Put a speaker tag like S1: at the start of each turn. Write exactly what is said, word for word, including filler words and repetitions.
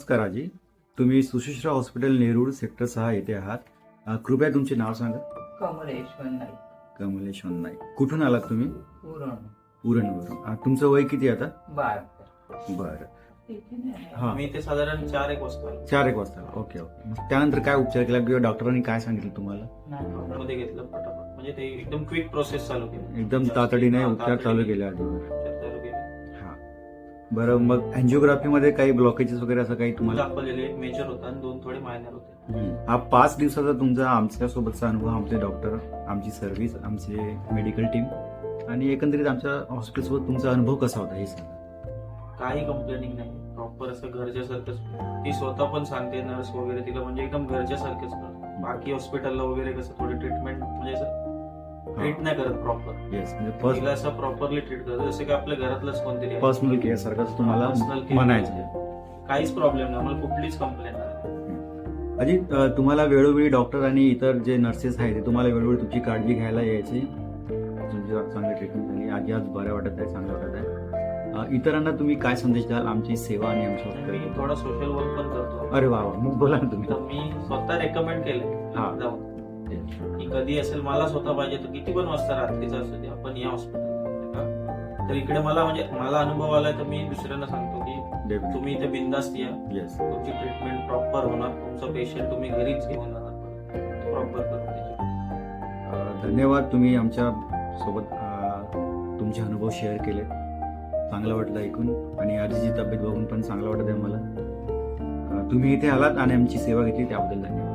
S1: नमस्कार आजी. तुम्ही सुशिश्रा हॉस्पिटल नेरूळ सेक्टर सहा येथे आहात. अ, कृपया तुमचे नाव सांगा.
S2: कमलेश्वर नाईक.
S1: कमलेश नाईक. कुठून आलात तुम्ही?
S2: पुरण
S1: उरणवरून. अ, तुमचं वय किती आता?
S2: बार
S1: बरं. हा.
S3: मी ते साधारण चार एक वाजता आलो.
S1: चार एक वाजता. Okay okay. मग त्यानंतर काय उपचार केला किंवा डॉक्टरांनी काय सांगितलं तुम्हाला?
S3: मध्ये घेतलं फटाफट, म्हणजे ते एकदम क्विक प्रोसेस चालू केली.
S1: एकदम तातडीने उपचार चालू केले आधी.
S3: उपचार चालू केले.
S1: हा. बरं, मग अँजिओग्राफी मध्ये काही ब्लॉकेजेस वगैरे असं काही तुम्हाला?
S3: दाखवलेले एक मेजर होता आणि दोन थोडे मायनर होते.
S1: हम्म. हा पाच दिवसाचा तुमचा आमच्यासोबतचा अनुभव, आमचे डॉक्टर, आमची सर्व्हिस, आमचे मेडिकल टीम आणि एकंदरीत आमच्या हॉस्पिटलसोबत तुमचा अनुभव कसा होता हे सांगा.
S3: काही कंप्लेनिंग नाही. प्रॉपर असं घरच्यासारखंच. ती स्वतः पण सांगते, नर्स वगैरे तिला म्हणजे एकदम घरच्यासारखंच करतो. बाकी हॉस्पिटलला वगैरे कसं थोडी ट्रीटमेंट म्हणजे असं ट्रीट नाही करत प्रॉपर.
S1: येस, म्हणजे फर्स्ट
S3: तिला असं प्रॉपरली ट्रीट करतो जसं की आपल्या घरातलंच कोणतरी आहे.
S1: पर्सनल केअर सारखंच तुम्हाला
S3: Personal care.
S1: म्हणायचं.
S3: काहीच प्रॉब्लेम नाही, मला कुठलीच कंप्लेंट नाही.
S1: अजी, अ, तुम्हाला वेळोवेळी डॉक्टर आणि इतर जे नर्सेस आहेत ते तुम्हाला वेळोवेळी तुमची काळजी घ्यायला यायची. तुमची चांगली ट्रीटमेंट झाली. आजी आज बरं वाटत आहे, चांगलं वाटत आहे. अ, इतरांना तुम्ही काय संदेश द्याल आमची सेवा आणि आमच्या
S3: मी
S1: हॉस्पिटल?
S3: थोडा सोशल वर्क पण करतो.
S1: अरे वा वा, मग बोला ना तुम्ही.
S3: तर मी स्वतः रेकमेंड केलं
S1: हा.
S3: जाऊन की कधी असेल मला स्वतः पाहिजे तर किती पण वाजता रात्रीचा असू दे आपण या हॉस्पिटल. तर इकडे मला म्हणजे मला अनुभव आलाय तर मी दुसऱ्यांना सांगतो की
S1: Definitely.
S3: तुम्ही इथे बिंदास्त या.
S1: येस.
S3: तुमची ट्रीटमेंट प्रॉपर होणार. तुमचा पेशंट तुम्ही घरीच घेऊन जाणार प्रॉपर करून त्याची.
S1: अ, धन्यवाद. तुम्ही आमच्या सोबत अ, तुमचे अनुभव शेअर केले. चांगलं वाटलं ऐकून आणि आजीची तब्येत बघून पण चांगलं वाटत आहे मला. अ, तुम्ही इथे आलात आणि आमची सेवा घेतली त्याबद्दल धन्यवाद.